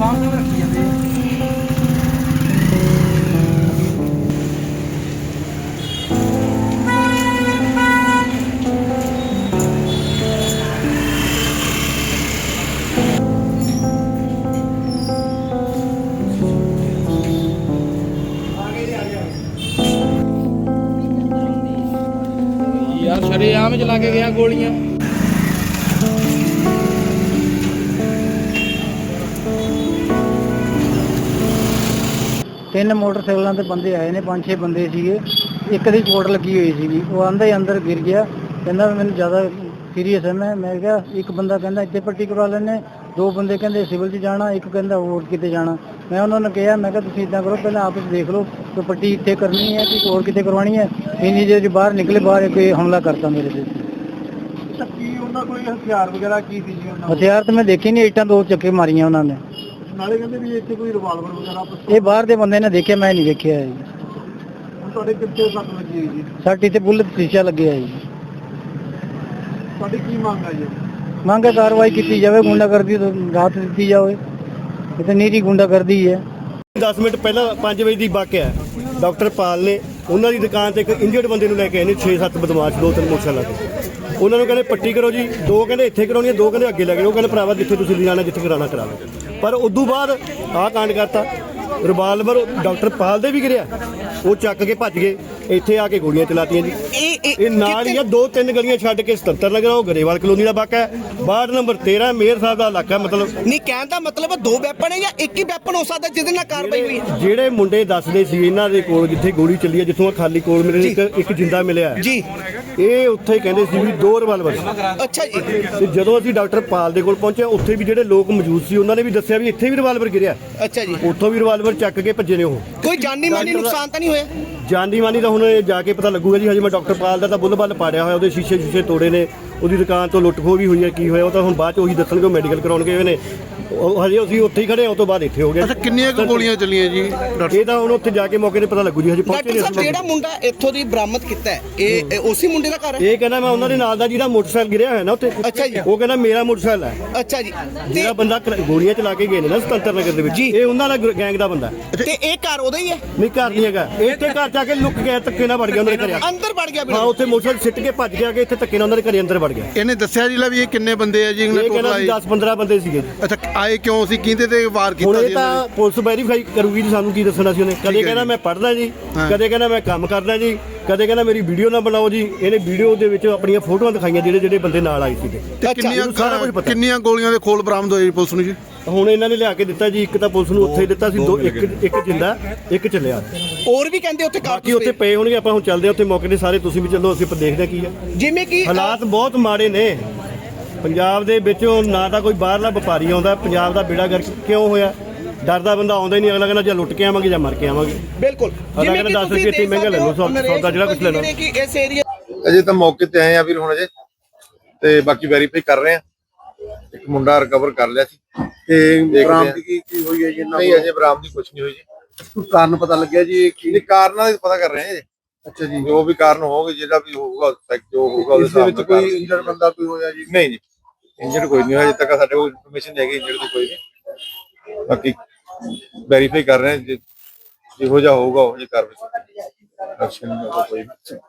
ਦੁਕਾਨ ਤੇ ਰੱਖੀ ਜਾਂਦੇ यार शरेआम चला के गया गोलियां। तीन मोटरसाइकिलों के बंदे आए ने, 5-6 बंदे सीगे। एक दी चोट लगी हुई सी, वो आंदा ही अंदर गिर गया। कहना मैंने ज़्यादा सीरीयस है मैं क्या, एक बंदा कहना इतने पट्टी करवा लेने, दो बंदे कहते सिविल च जाना, एक कहता होर किते जाना। मैं उन्होंने कहा मैं तुम इदा करो पहले आपस देख लो तो पट्टी इतने करनी है कि होर किते करवानी है। इन्नी देर बाहर निकले, बाहर कोई हमला करता मेरे से। हथियार वगैरह की थी? हथियार तो मैं देखे नहीं, ईटा 2 चक्के मारिया उन्होंने। नाले कहते भी ਇੱਥੇ ਕੋਈ ਰਿਵਾਲਵਰ ਵਗੈਰਾ ਇਹ ਬਾਹਰ ਦੇ ਬੰਦੇ ਨੇ ਦੇਖਿਆ, ਮੈਂ ਨਹੀਂ ਦੇਖਿਆ ਜੀ। ਹੁਣ ਤੁਹਾਡੇ ਕਿੱਥੇ ਸੱਟ ਲੱਗੀ ਹੈ ਜੀ? ਸਾਡੀ ਤੇ ਬੁੱਲਟ ਸ਼ੀਸ਼ਾ ਲੱਗਿਆ ਹੈ ਜੀ। ਤੁਹਾਡੀ ਕੀ ਮੰਗ ਹੈ ਜੀ? ਮੰਗ ਹੈ ਕਾਰਵਾਈ ਕੀਤੀ ਜਾਵੇ, ਗੁੰਡਾਗਰਦੀ ਤੋਂ ਰਾਹਤ ਦਿੱਤੀ ਜਾਵੇ। ਇਹ ਤਾਂ ਨੀਰੀ ਗੁੰਡਾਗਰਦੀ ਹੈ। 10 ਮਿੰਟ ਪਹਿਲਾਂ 5 ਵਜੇ ਦੀ ਵਾਕਿਆ ਡਾਕਟਰ ਪਾਲ ਨੇ ਉਹਨਾਂ ਦੀ ਦੁਕਾਨ ਤੇ ਇੱਕ ਇੰਜਰਡ ਬੰਦੇ ਨੂੰ ਲੈ ਕੇ ਆਏ ਨੇ, 6-7 ਬਦਮਾਸ਼ 2-3 ਮੋਟਰਸਾਈਕਲਾਂ ਤੇ। ਉਹਨਾਂ ਨੂੰ ਕਹਿੰਦੇ ਪੱਟੀ ਕਰੋ ਜੀ, 2 ਕਹਿੰਦੇ ਇੱਥੇ ਕਰਾਉਣੀ ਹੈ, 2 ਕਹਿੰਦੇ ਅੱਗੇ ਲੈ ਕੇ। ਉਹ ਕਹਿੰਦੇ ਭਰਾਵਾ ਜਿੱਥੇ ਤੁਸੀਂ ਲਿਜਾਣਾ, ਜਿੱਥੇ ਕਰਾਉਣਾ ਕਰਾ ਲਓ। ਪਰ ਉਦੋਂ ਬਾਅਦ ਆਹ ਕਾਂਡ ਕਰਤਾ। ਰਿਵਾਲਵਰ ਡਾਕਟਰ ਪਾਲ ਦੇ ਵੀ ਗਿਰਿਆ, ਉਹ ਚੱਕ ਕੇ ਭੱਜ ਗਏ। ਇੱਥੇ ਆ ਕੇ ਗੋਲੀਆਂ ਚਲਾਤੀਆਂ ਜੀ। ਇਹ ਨਾਲ ਹੀ ਆ 2-3 ਗਲੀਆਂ ਛੱਡ ਕੇ 77 ਨਗਰ, ਉਹ ਗਰੇਵਾਲ ਕਲੋਨੀ ਦਾ ਵਾਕਾ ਹੈ। ਵਾਰਡ ਨੰਬਰ 13 ਮੇਅਰ ਸਾਹਿਬ ਦਾ ਇਲਾਕਾ। ਮਤਲਬ ਨਹੀਂ, ਕਹਿਣ ਦਾ ਮਤਲਬ 2 ਵੈਪਨ ਹੈ ਜਾਂ ਇੱਕ ਹੀ ਵੈਪਨ ਹੋ ਸਕਦਾ ਜਿਹਦੇ ਨਾਲ ਕਾਰਵਾਈ ਹੋਈ ਹੈ? ਜਿਹੜੇ ਮੁੰਡੇ ਦੱਸਦੇ ਸੀ ਇਹਨਾਂ ਦੇ ਕੋਲ ਜਿੱਥੇ ਗੋਲੀ ਚੱਲੀ ਹੈ, ਜਿੱਥੋਂ ਖਾਲੀ ਕੋਲ ਮੇਰੇ ਇੱਕ ਜਿੰਦਾ ਮਿਲਿਆ ਜੀ, ਇਹ ਉੱਥੇ ਕਹਿੰਦੇ ਸੀ ਵੀ 2 ਰਿਵਾਲਵਰ। ਅੱਛਾ ਜੀ। ਤੇ ਜਦੋਂ ਅਸੀਂ ਡਾਕਟਰ ਪਾਲ ਦੇ ਕੋਲ ਪਹੁੰਚੇ, ਉੱਥੇ ਵੀ ਜਿਹੜੇ ਲੋਕ ਮੌਜੂਦ ਸੀ ਉਹਨਾਂ ਨੇ ਵੀ ਦੱਸਿਆ ਵੀ ਇੱਥੇ ਵੀ ਰਿਵਾਲਵਰ ਗਿਰਿਆ। ਅੱਛਾ ਜੀ। ਉੱਥੋਂ ਵੀ ਰਿਵਾਲਵਰ ਚੱਕ ਕੇ ਭੱਜੇ ਨੇ। ਉਹ ਕੋਈ ਜਾਨੀ ਮਾਨੀ ਨੁਕਸਾਨ ਤਾਂ ਨਹੀਂ ਹੋਇਆ? ਜਾਨੀ ਮਾਨੀ ਤਾਂ ਹੁਣ ਜਾ ਕੇ ਪਤਾ ਲੱਗੂਗਾ ਜੀ। ਹਜੇ ਮੈਂ ਡਾਕਟਰ ਪਾਲ ਦਾ ਤਾਂ ਬੁੱਲ-ਬੱਲ ਪਾੜਿਆ ਹੋਇਆ, ਉਹਦੇ ਸ਼ੀਸ਼ੇ ਤੋੜੇ ਨੇ, ਉਹਦੀ ਦੁਕਾਨ ਤੋਂ ਲੁੱਟ ਖੋਹ ਵੀ ਹੋਈ ਹੈ। ਕੀ ਹੋਇਆ ਉਹ ਤਾਂ ਹੁਣ ਬਾਅਦ ਚ ਉਹੀ ਦੱਸਣਗੇ, ਮੈਡੀਕਲ ਕਰਾਉਣ ਗਏ ਹੋਏ ਨੇ। ਹਜੇ ਅਸੀਂ ਉੱਥੇ ਹੀ ਖੜੇ ਹਾਂ, ਉਹ ਤੋਂ ਬਾਅਦ ਇੱਥੇ ਹੋ ਗਿਆ। ਅੱਛਾ, ਕਿੰਨੀਆਂ ਕੁ ਗੋਲੀਆਂ ਚੱਲੀਆਂ ਜੀ? ਇਹ ਤਾਂ ਹੁਣ ਉੱਥੇ ਜਾ ਕੇ ਮੌਕੇ ਤੇ ਪਤਾ ਲੱਗੂ ਜੀ। ਹਜੇ ਪਹੁੰਚੇ ਡਾਕਟਰ ਸਾਹਿਬ, ਜਿਹੜਾ ਮੁੰਡਾ ਇੱਥੋਂ ਦੀ ਬਰਾਮਦ ਕੀਤਾ ਹੈ, ਇਹ ਉਸੇ ਮੁੰਡੇ ਦਾ ਘਰ ਹੈ? ਇਹ ਕਹਿੰਦਾ ਮੈਂ ਉਹਨਾਂ ਦੇ ਨਾਲ ਦਾ ਜਿਹੜਾ ਮੋਟਰਸਾਈਕਲ ਗਿਰਿਆ ਹੋਇਆ ਨਾ ਉੱਥੇ। ਅੱਛਾ ਜੀ। ਉਹ ਕਹਿੰਦਾ ਮੇਰਾ ਮੋਟਰਸਾਈਕਲ ਹੈ। ਅੱਛਾ ਜੀ। ਜਿਹੜਾ ਬੰਦਾ ਗੋਲੀਆਂ ਚਲਾ ਕੇ ਗਏ ਨੇ ਨਾ 77 ਨਗਰ ਦੇ ਵਿੱਚ, ਇਹ ਉਹਨਾਂ ਦਾ ਗੈਂਗ ਦਾ ਬੰਦਾ। ਤੇ ਇਹ ਘਰ ਉਹਦਾ ਹੀ ਹੈ? ਨਹੀਂ, ਘਰ ਨਹੀਂ ਹੈਗਾ। ਇੱਥੇ ਘਰ ਜਾ ਕੇ ਲੁੱਕ ਗਿਆ, ਧੱਕੇ ਨਾਲ ਵੜ ਗਿਆ ਉਹਨਾਂ ਦੇ ਘਰੇ। ਅੰਦਰ ਵੜ ਗਿਆ? ਹਾਂ, ਉੱਥੇ ਮੋਟਰਸਾਈਕਲ ਸਿੱਟ ਕੇ ਭੱਜ ਗਿਆ ਕਿ ਇੱਥੇ ਧੱਕੇ ਨਾਲ ਉਹਨਾਂ ਦੇ ਘਰੇ ਅੰਦਰ ਵੜ ਗਿਆ। ਇਹਨੇ ਦੱਸਿਆ ਜੀ ਵੀ ਇਹ ਕਿੰਨੇ ਬੰਦੇ ਆ ਜੀ? ਇਹ ਕਹਿੰਦਾ 10-15 ਬੰਦੇ ਸੀਗੇ। ਅੱਛਾ, ਆਏ ਕਿਉਂ ਸੀ? ਕਿਹਦੇ ਤੇ ਵਾਰ ਹੁਣ ਕੀਤਾ ਇਹ ਜੀ? ਤਾਂ ਪੁਲਿਸ ਵੈਰੀਫਾਈ ਕਰੂਗੀ ਜੀ, ਸਾਨੂੰ ਕੀ ਦੱਸਣਾ ਸੀ ਉਹਨੇ। ਕਦੇ ਕਹਿੰਦਾ ਮੈਂ ਪੜ੍ਹਦਾ ਜੀ, ਕਦੇ ਕਹਿੰਦਾ ਮੈਂ ਕੰਮ ਕਰਦਾ ਜੀ, ਕਦੇ ਕਹਿੰਦਾ ਮੇਰੀ ਵੀਡੀਓ ਨਾ ਬਣਾਓ ਜੀ। ਇਹਨੇ ਵੀਡੀਓ ਦੇ ਵਿੱਚ ਆਪਣੀਆਂ ਫੋਟੋਆਂ ਦਿਖਾਈਆਂ ਜਿਹੜੇ ਬੰਦੇ ਨਾਲ ਆਏ ਸੀਗੇ। ਕਿੰਨੀਆਂ ਗੋਲੀਆਂ ਦੇ ਖੋਲ ਬਰਾਮਦ ਹੋਏ ਪੁਲਿਸ ਨੂੰ ਜੀ? ਹੁਣ ਇਹਨਾਂ ਨੇ ਲਿਆ ਕੇ ਦਿੱਤਾ ਜੀ। ਇੱਕ ਤਾਂ ਪੁਲਿਸ ਨੂੰ ਉੱਥੇ ਹੀ ਦਿੱਤਾ ਸੀ, ਇੱਕ ਜਿੰਦਾ, ਇੱਕ ਚੱਲਿਆ। ਹੋਰ ਵੀ ਕਹਿੰਦੇ ਉੱਥੇ ਬਾਕੀ ਉੱਥੇ ਪਏ ਹੋਣਗੇ। ਆਪਾਂ ਹੁਣ ਚੱਲਦੇ ਹਾਂ ਉੱਥੇ ਮੌਕੇ ਤੇ ਸਾਰੇ, ਤੁਸੀਂ ਵੀ ਚੱਲੋ, ਅਸੀਂ ਦੇਖਦੇ ਹਾਂ ਕੀ ਹੈ। ਜਿਵੇਂ ਕਿ ਹਾਲਾਤ ਬਹੁਤ ਮਾੜੇ ਨੇ ਪੰਜਾਬ ਦੇ ਵਿੱਚ। ਨਾ ਤਾਂ ਕੋਈ ਬਾਹਰਲਾ ਵਪਾਰੀ ਆਉਂਦਾ। ਪੰਜਾਬ ਦਾ ਬੇੜਾ ਗਰਕ ਕਿਉਂ ਹੋਇਆ? ਡਰਦਾ ਬੰਦਾ ਆਉਂਦਾ ਹੀ ਨਹੀਂ। ਅਗਲਾ ਕਹਿੰਦਾ ਜਾਂ ਲੁੱਟ ਕੇ ਆਵਾਂਗੇ ਜਾਂ ਮਰ ਕੇ ਆਵਾਂਗੇ। ਬਿਲਕੁਲ। ਅਗਲਾ ਕਹਿੰਦਾ 10 ਰੁਪਏ ਇੱਥੇ ਮਹਿੰਗਾ ਲੈ ਲਓ ਸੌਦਾ ਜਿਹੜਾ ਕੁਝ ਲੈਣਾ। ਕਿ ਇਸ ਏਰੀਆ ਅਜੇ ਤਾਂ ਮੌਕੇ ਤੇ ਆਏ ਆ ਵੀਰ ਹੁਣ ਅਜੇ, ਤੇ ਬਾਕੀ ਵੈਰੀਫਾਈ ਕਰ ਰਹੇ ਆ। ਇੱਕ ਮੁੰਡਾ ਰਿਕਵਰ ਕਰ ਲਿਆ ਸੀ। ਤੇ ਬਰਾਮਦੀ ਕੀ ਹੋਈ ਹੈ ਜੀ? ਨਹੀਂ, ਅਜੇ ਬਰਾਮਦੀ ਕੁਝ ਨਹੀਂ ਹੋਈ ਜੀ। ਕੋਈ ਕਾਰਨ ਪਤਾ ਲੱਗਿਆ ਜੀ? ਕੀ ਕਾਰਨਾਂ ਦਾ ਪਤਾ ਕਰ ਰਹੇ ਆ ਜੀ। ਅੱਛਾ ਜੀ। ਜੋ ਵੀ ਕਾਰਨ ਹੋਵੇ, ਜਿਹੜਾ ਵੀ ਹੋਊਗਾ ਜੋ ਹੋਊਗਾ ਉਹਦੇ ਇਸ ਦੇ ਵਿੱਚ ਕੋਈ ਇੰਜਰਡ ਬੰਦਾ ਕੋਈ ਹੋਇਆ ਜੀ? ਨਹੀਂ ਜੀ, ਇੰਜਰਡ ਕੋਈ ਨਹੀਂ ਹੋਇਆ। ਅਜੇ ਤੱਕ ਸਾਡੇ ਕੋਲ ਇਨਫੋਰਮੇਸ਼ਨ ਹੈਗੀ ਇੰਜਰਡ ਦੀ ਕੋਈ ਨਹੀਂ। ਬਾਕੀ ਵੈਰੀਫਾਈ ਕਰ ਰਹੇ ਆ, ਜਿਹੋ ਜਿਹਾ ਹੋਊਗਾ ਉਹ ਜਿਹੀ ਕਾਰਵਾਈ। ਐਕਸ਼ਨ ਕੋਈ